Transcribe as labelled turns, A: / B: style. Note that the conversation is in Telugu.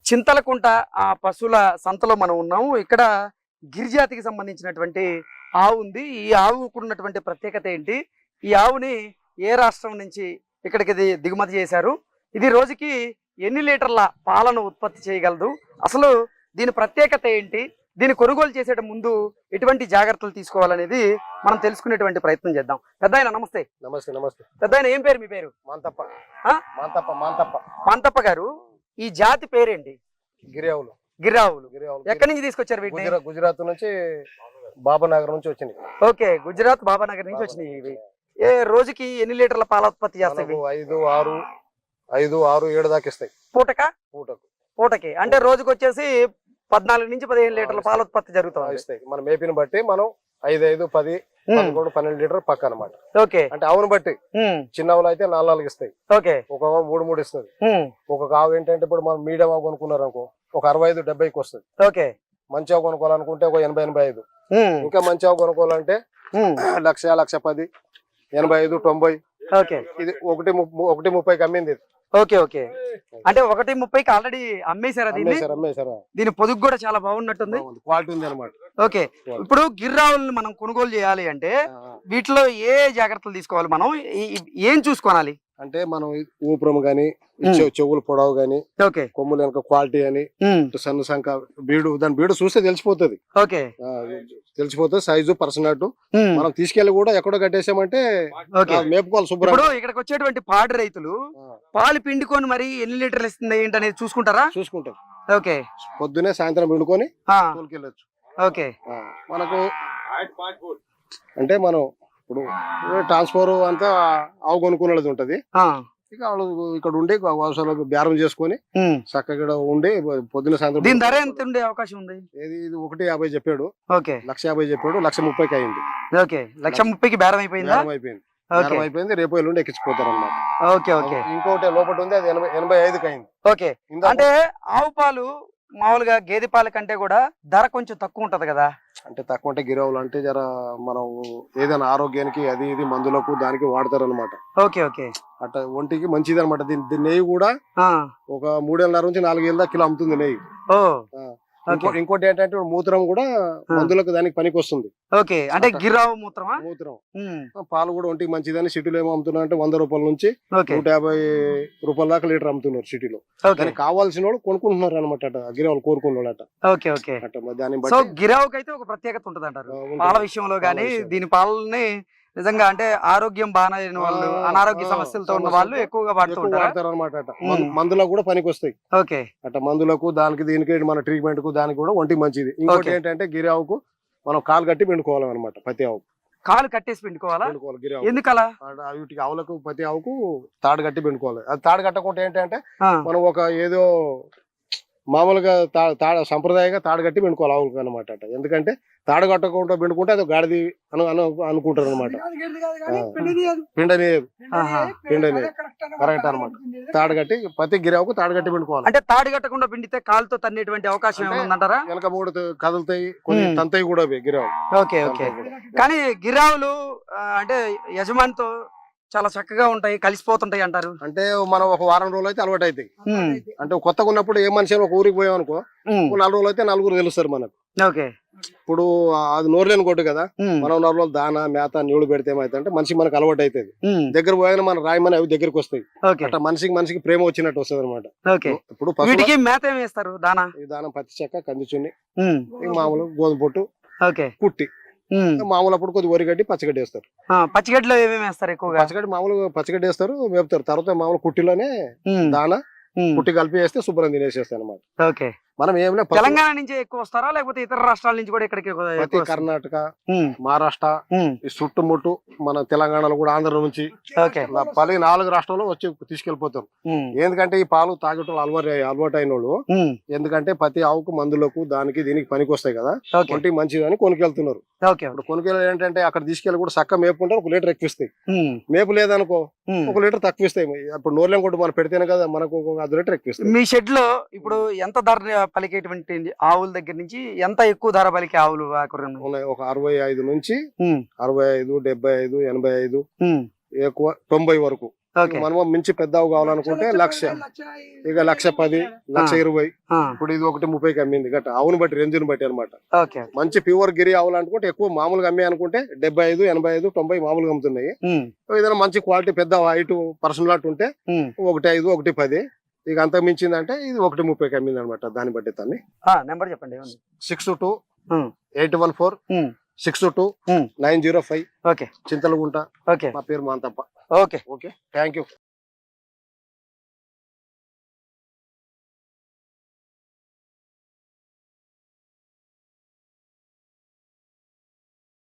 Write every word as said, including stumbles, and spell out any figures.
A: చింతలకుంట ఆ పశువుల సంతలో మనం ఉన్నాము. ఇక్కడ గిరిజాతికి సంబంధించినటువంటి ఆవు ఉంది. ఈ ఆవుకు ఉన్నటువంటి ప్రత్యేకత ఏంటి, ఈ ఆవుని ఏ రాష్ట్రం నుంచి ఇక్కడికి ది- దిగుమతి చేశారు, ఇది రోజుకి ఎన్ని లీటర్ల పాలను ఉత్పత్తి చేయగలదు, అసలు దీని ప్రత్యేకత ఏంటి, దీన్ని కొనుగోలు చేసేట ముందు ఎటువంటి జాగ్రత్తలు తీసుకోవాలనేది మనం తెలుసుకునేటువంటి ప్రయత్నం చేద్దాం. పెద్దాయన నమస్తే.
B: నమస్తే నమస్తే.
A: పెద్దాయన ఏం పేరు మీ పేరు?
B: మాంతప్ప.
A: ఆ?
B: మాంతప్ప మాంతప్ప
A: పాంతప్ప గారు, ఈ జాతి పేరేంటి?
B: గిరియావులు.
A: గిరావులు.
B: గిరియావులు
A: ఎక్కడి నుంచి తీసుకొచ్చారు వీటిని?
B: గుజరాత్ గుజరాత్ నుంచి బాబానగర్ నుంచి వచ్చింది.
A: ఓకే, గుజరాత్ బాబానగర్ నుంచి వచ్చినాయి ఇవి. ఏ రోజుకి ఎన్ని లీటర్ల పాల ఉత్పత్తి చేస్తాయి?
B: మనకు ఐదు ఆరు ఐదు ఆరు ఏడు దాకా ఇస్తాయి
A: పూటక
B: పూటకు.
A: పూటకి అంటే రోజుకి వచ్చేసి పద్నాలుగు నుంచి పదిహేను లీటర్ల పాల ఉత్పత్తి జరుగుతుంది.
B: ఇస్తాయి. మన మేపిని బట్టి మనం ఐదు ఐదు పది పదకొండు పన్నెండు లీటర్ పక్క అనమాట.
A: ఓకే,
B: అంటే ఆవును బట్టి చిన్నవులు అయితే నాలుగు నాలుగు ఇస్తాయి,
A: ఓకే,
B: ఒక మూడు మూడు ఇస్తుంది. ఒక ఆవు ఏంటంటే ఇప్పుడు మనం మీడియం ఆవు కొనుక్కున్నారు అనుకో ఒక అరవై ఐదు డెబ్బైకి వస్తుంది.
A: ఓకే,
B: మంచి ఆవు కొనుక్కోవాలనుకుంటే ఒక ఎనభై ఎనభై ఐదు. ఇంకా మంచి ఆవు కొనుక్కోవాలంటే లక్ష లక్ష పది ఎనభై ఐదు తొంభై.
A: ఓకే,
B: ఇది ఒకటి ము- ఒకటి ముప్పైకి అమ్మింది ఇది.
A: Okay, okay. అంటే ఒకటి ముప్పైకి ఆల్రెడీ అమ్మేశారా దీన్ని?
B: అమ్మేశారు అమ్మేశారా.
A: దీని పొదుగు కూడా చాలా బాగున్నట్టుంది.
B: క్వాలిటీ ఉంది అనమాట.
A: ఓకే, ఇప్పుడు గిర్రావుల్ని మనం కొనుగోలు చేయాలి అంటే వీటిలో ఏ జాగ్రత్తలు తీసుకోవాలి, మనం ఈ- ఈ- ఏం చూసుకోవాలి?
B: అంటే మనం ఊపురం గాని చెవులు పొడవు గాని
A: ఓకే,
B: కొమ్ములు వెనక క్వాలిటీ అని
A: ఉమ్,
B: సన్న సంఖ బీడు దాని బీడు చూస్తే తెలిసిపోతుంది.
A: ఓకే,
B: ఆ, తెలిసిపోతుంది సైజు పర్సనట్.
A: ఉమ్,
B: మనం తీసుకెళ్లి కూడా ఎక్కడో కట్టేసామంటే
A: ఓకే.
B: ఆ, మేపుకోవాలి శుభ్రం.
A: ఇప్పుడు ఇక్కడికి వచ్చేటువంటి పాడి రైతులు పాలు పిండుకొని మరి ఎన్ని లీటర్లు ఇస్తుంది ఏంటి అనేది చూసుకుంటారా?
B: చూసుకుంటాం.
A: ఓకే,
B: పొద్దునే సాయంత్రం పిండుకొని
A: ఆ,
B: తోలుకెళ్ళొచ్చు.
A: ఓకే,
B: ఆ, మనకు అంటే మనం ఇప్పుడు ట్రాన్స్ఫర్ అంతా ఆవు కొనుక్కునేది ఉంటది.
A: ఆ,
B: ఇక వాళ్ళు ఇక్కడ ఉండి అవసరాలు బేరం చేసుకొని
A: ఉమ్.
B: చక్కగా ఉండి పొద్దున సాయంత్రం.
A: దీని ధర ఎంత ఉండే అవకాశం ఉంది?
B: ఏది ఇది ఒకటి యాభై చెప్పాడు,
A: ఓకే,
B: లక్ష యాభై చెప్పాడు, లక్ష ముప్పైకి అయింది.
A: ఓకే, లక్ష ముప్పైకి బేరం అయిపోయిందా?
B: బేరం అయిపోయింది.
A: ఓకే,
B: బేరం అయిపోయింది. రేపు ఎల్లుండి ఎక్కించిపోతారు అనమాట.
A: ఓకే, ఓకే,
B: ఇంకోటి లోపల ఉంది, అది ఎనభై ఎనభై ఐదుకి అయింది.
A: ఓకే.
B: ఇందాక
A: అంటే ఆవు పాలు మామూలుగా గేదె పాల కంటే కూడా ధర కొంచెం తక్కువ ఉంటది కదా?
B: అంటే తక్కువ అంటే గిరావులు అంటే జర మనం ఏదైనా ఆరోగ్యానికి అది ఇది మందులకు దానికి వాడతారు అనమాట.
A: ఓకే, ఓకే,
B: అట్లా ఒంటికి మంచిది అనమాట. దీని దీని నెయ్యి కూడా
A: ఆ,
B: ఒక మూడేళ్ళ నుంచి నాలుగేళ్ళ కిలో అమ్ముతుంది నెయ్యి.
A: ఓ,
B: ఆ.
A: ఓకే,
B: ఇంకో- ఇంకోటి ఏంటంటే మూత్రం కూడా మందులకు దానికి పనికి వస్తుంది.
A: ఓకే. అంటే గిరావు మూత్రమా?
B: మూత్రం
A: ఉమ్,
B: ఆ, పాలు కూడా ఒంటికి మంచిదని సిటీలో ఏమో అమ్ముతున్నారు అంటే వంద రూపాయల నుంచి
A: ఓకే,
B: నూట యాభై రూపాయల దాకా లీటర్ అమ్ముతున్నారు సిటీలో.
A: ఓకే,
B: దానికి కావాల్సిన వాళ్ళు కొనుక్కుంటున్నారు అనమాట. అట గిరావులు కోరుకున్న అట
A: ఓకే, ఓకే.
B: అట మరి దాన్ని
A: సో
B: బట్టి
A: గిరావుకి అయితే ఒక ప్రత్యేకత ఉంటది అంటారు
B: ఆ, ఉంటుంది.
A: పాల విషయంలో గానీ.
B: పాల విషయం.
A: దీని పాలని నిజంగా అంటే ఆరోగ్యం బాగాలేని వాళ్ళు,
B: ఆ,
A: అనారోగ్య
B: ఆ,
A: సమస్యలతో ఉన్న
B: సమస్యలతో
A: వాళ్ళు ఎక్కువగా వాడుతూ
B: ఎక్కువ
A: ఉంటారు.
B: వాడతారు అనమాట. అట
A: ఉమ్.
B: మందు- మందులకు కూడా పనికి వస్తాయి.
A: ఓకే,
B: అట మందులకు దానికి దీనికి మన ట్రీట్మెంట్ కు దానికి కూడా ఒంటికి మంచిది. ఇంకోటి
A: ఓకే.
B: ఏంటంటే గిరి ఆవుకు మనం కాలు కట్టి పిండుకోవాలన్నమాట. ప్రతి ఆవు
A: కాలు కట్టేసి పిండుకోవాలా?
B: పిండుకోవాలి గిరి ఆవు.
A: ఎందుకలా?
B: ఆ, వీటికి ఆవులకు ప్రతి ఆవుకు తాడు కట్టి పిండుకోవాలి. అది తాడు కట్టకుంటే ఏంటంటే
A: ఆ,
B: మనం ఒక ఏదో మామూలుగా తా తాడ సంప్రదాయంగా తాడు కట్టి పిండుకోవాలి ఆవులకు అనమాట. అట ఎందుకంటే తాడు కట్టకుండా పిండుకుంటే అది గాడిది అను అను అనుకుంటారు అనమాట. పిండని
A: ఆహా.
B: పిండని కరెక్ట్ అనమాట. తాడు కట్టి ప్రతి గిరావుకు తాడు కట్టి పిండుకోవాలి.
A: అంటే తాడి కట్టకుండా పిండితే కాలుతో తన్నేటువంటి అవకాశం
B: అంటే
A: ఏమైనా ఉందంటారా?
B: వెనక మూడు త- కదులుతాయి, కొన్ని
A: ఉమ్.
B: తంతాయి కూడా అవి గిరావు.
A: Okay, okay. కానీ గిరావులు ఆ, అంటే యజమానితో చాలా చక్కగా ఉంటాయి, కలిసిపోతుంటాయి అంటారు.
B: అంటే మనం ఒక వారం రోజులు అయితే అలవాటు అవుతాయి.
A: ఉమ్,
B: అంటే కొత్తగా ఉన్నప్పుడు ఏ మనిషి అయినా ఒక ఊరికి పోయాం అనుకో
A: ఉమ్,
B: ఒక నాలుగు రోజులు అయితే నలుగురు తెలుస్తారు మనకు.
A: ఓకే,
B: ఇప్పుడు అది నోరులేని కొట్టు కదా,
A: ఉమ్,
B: మనం నాలుగు రోజులు దాన మేత నీళ్లు పెడితే ఏమైతే అంటే మనిషి మనకు అలవాటు అవుతుంది.
A: ఉమ్,
B: దగ్గర పోయాక మన రాయమని అవి దగ్గరికి వస్తాయి.
A: ఓకే,
B: అట్లా మనిషికి మనిషికి ప్రేమ వచ్చినట్టు వస్తుంది అనమాట.
A: ఓకే.
B: ఇప్పుడు పశువుల
A: వీటికి మేత ఏమి వేస్తారు? దానా?
B: ఈ దానం పత్తి చెక్క కందిచున్ని
A: ఉమ్,
B: ఈ మామూలు గోధుమ పొట్టు
A: ఓకే,
B: కుట్టి
A: ఉమ్,
B: మామూలు అప్పుడు కొద్ది వరిగడ్డి పచ్చగడ్డి వేస్తారు.
A: ఆ, పచ్చిగడ్డలో ఏమేమి వేస్తారు ఎక్కువగా?
B: పచ్చగడ్డి మామూలు పచ్చగడ్డి వేస్తారు, మేపుతారు. తర్వాత మామూలు కుట్టిలోనే
A: ఉమ్,
B: దాన
A: ఉమ్,
B: కుట్టి కలిపి వేస్తే శుభ్రం తినేసేస్తాయి అనమాట.
A: ఓకే.
B: మనం ఏమైనా
A: తెలంగాణ నుంచి ఎక్కువ వస్తారా లేకపోతే ఇతర రాష్ట్రాల నుంచి కూడా ఇక్కడికి ఎక్కువ-
B: ప్రతి
A: ఎక్కువ వస్తారా?
B: కర్ణాటక
A: ఉమ్,
B: మహారాష్ట్ర
A: ఉమ్,
B: ఈ చుట్టుముట్టు మన తెలంగాణలో కూడా ఆంధ్ర నుంచి
A: ఓకే,
B: ఇలా పలు నాలుగు రాష్ట్రాల్లో వచ్చి తీసుకెళ్లిపోతారు.
A: ఉమ్,
B: ఎందుకంటే ఈ పాలు తాగటం అలవాటు అలవాటు అయిన వాళ్ళు
A: ఉమ్,
B: ఎందుకంటే ప్రతి ఆవుకు మందులకు దానికి దీనికి పనికి వస్తాయి కదా,
A: ఓకే,
B: ఒంటికి మంచిది అని కొనుకెళ్తున్నారు.
A: ఓకే,
B: ఇప్పుడు కొనుకెళ్ళి ఏంటంటే అక్కడ తీసుకెళ్ళి కూడా చక్క మేపుకుంటే ఒక లీటర్ ఎక్కువిస్తాయి.
A: ఉమ్,
B: మేపు లేదనుకో
A: ఉమ్.
B: ఒక లీటర్ తక్కువ ఇస్తాయి. ఇప్పుడు నోర్లేం కొట్టు మనం పెడితేనే కదా మనకు ఒక అర్ధ లీటర్ ఎక్కువిస్తాయి.
A: మీ షెడ్ లో ఇప్పుడు ఎంత ధర పలికేటువంటి ఆవుల దగ్గర నుంచి ఎంత ఎక్కువ ధర పలికే ఆవులు ఆకురం?
B: ఉన్నాయి ఒక అరవై ఐదు నుంచి
A: ఉమ్,
B: అరవై ఐదు డెబ్బై ఐదు ఎనభై ఐదు
A: ఉమ్,
B: ఎక్కువ తొంభై వరకు
A: ఓకే
B: మనము మించి పెద్ద ఆవు కావాలనుకుంటే లక్ష, ఇక లక్ష పది, లక్ష ఇరవై.
A: ఆ,
B: ఇప్పుడు ఇది ఒకటి ముప్పైకి అమ్మింది గట్ట, ఆవును బట్టి రేంజ్ని బట్టి అనమాట.
A: ఓకే
B: మంచి ప్యూర్ గిరి ఆవులు అనుకుంటే ఎక్కువ మామూలుగా అమ్మే అనుకుంటే డెబ్బై ఐదు, ఎనభై ఐదు, తొంభై మామూలుగా అమ్ముతున్నాయి.
A: ఉమ్,
B: ఏదైనా మంచి క్వాలిటీ పెద్ద హైట్ పర్సన్ లాట్ ఉంటే
A: ఉమ్.
B: ఒకటి ఐదు, ఒకటి పది. ఇక అంత మించిందంటే ఇది ఒకటి ముప్పైకి అమ్మింది అనమాట. దాన్ని బట్టి తన్ని
A: ఆ, నెంబర్ చెప్పండి ఏముంది?
B: Six two
A: um,
B: eight one four
A: um,
B: six two
A: um.
B: Nine zero five
A: okay
B: Chintalagunta.
A: Okay
B: మా పేరు Manthappa.
A: Okay
B: okay, thank you.